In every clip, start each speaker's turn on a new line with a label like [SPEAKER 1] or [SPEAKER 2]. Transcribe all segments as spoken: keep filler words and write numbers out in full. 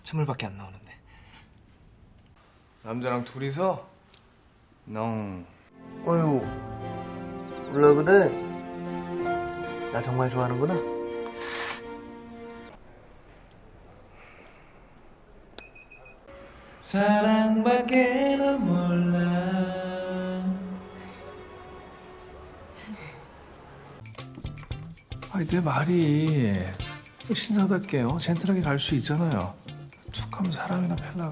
[SPEAKER 1] 찬물밖에 안 나오는데.
[SPEAKER 2] 남자랑 둘이서? 너
[SPEAKER 1] 어휴, 몰라 그래? 나 정말 좋아하는구나. 사랑밖에 난 몰라.
[SPEAKER 3] 아니 내 말이 신사답게요. 젠틀하게 갈 수 있잖아요. 툭하면 사람이나 펠라가.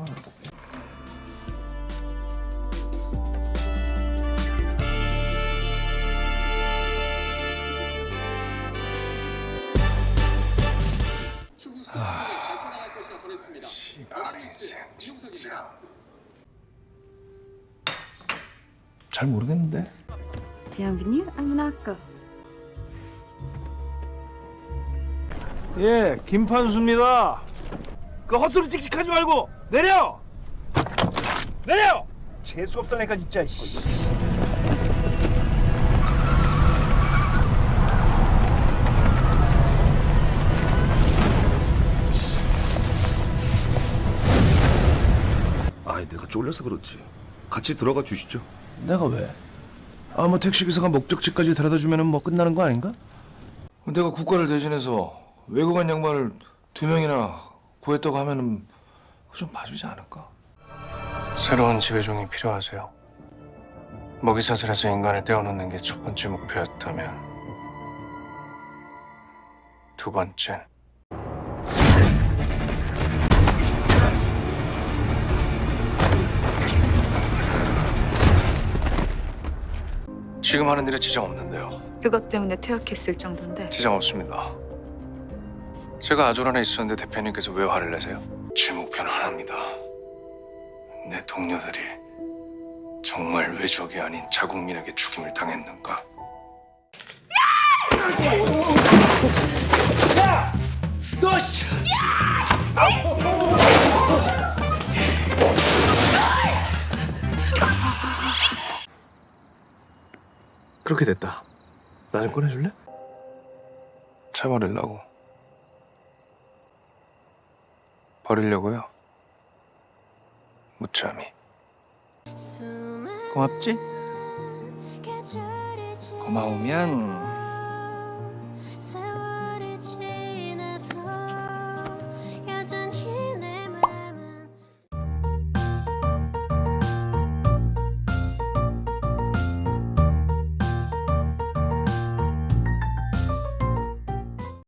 [SPEAKER 3] 씨발 인생 진짜. 잘 모르겠는데.
[SPEAKER 4] Bienvenue à Monaco.
[SPEAKER 3] 예, 김판수입니다.
[SPEAKER 2] 그 헛소리 찍찍하지 말고 내려! 내려! 재수 없으니까 진짜.
[SPEAKER 5] 아이 내가 쫄려서 그렇지. 같이 들어가 주시죠.
[SPEAKER 3] 내가 왜? 아, 뭐 택시기사가 목적지까지 데려다 주면은 뭐 끝나는 거 아닌가? 내가 국가를 대신해서 외국인 양반을 두 명이나 구했다고 하면은 좀 봐주지 않을까? 새로운 지배종이 필요하세요. 먹이사슬에서 인간을 떼어놓는 게 첫 번째 목표였다면 두 번째는 지금 하는 일에 지장 없는데요.
[SPEAKER 4] 그것 때문에 퇴학했을 정도인데.
[SPEAKER 3] 지장 없습니다. 제가 아조란에 있었는데 대표님께서 왜 화를 내세요? 제 목표는 하나입니다. 내 동료들이 정말 외적이 아닌 자국민에게 죽임을 당했는가? 그렇게 됐다. 나 좀 꺼내줄래? 차 버리려고. 버리려고요. 무참히. 고맙지? 고마우면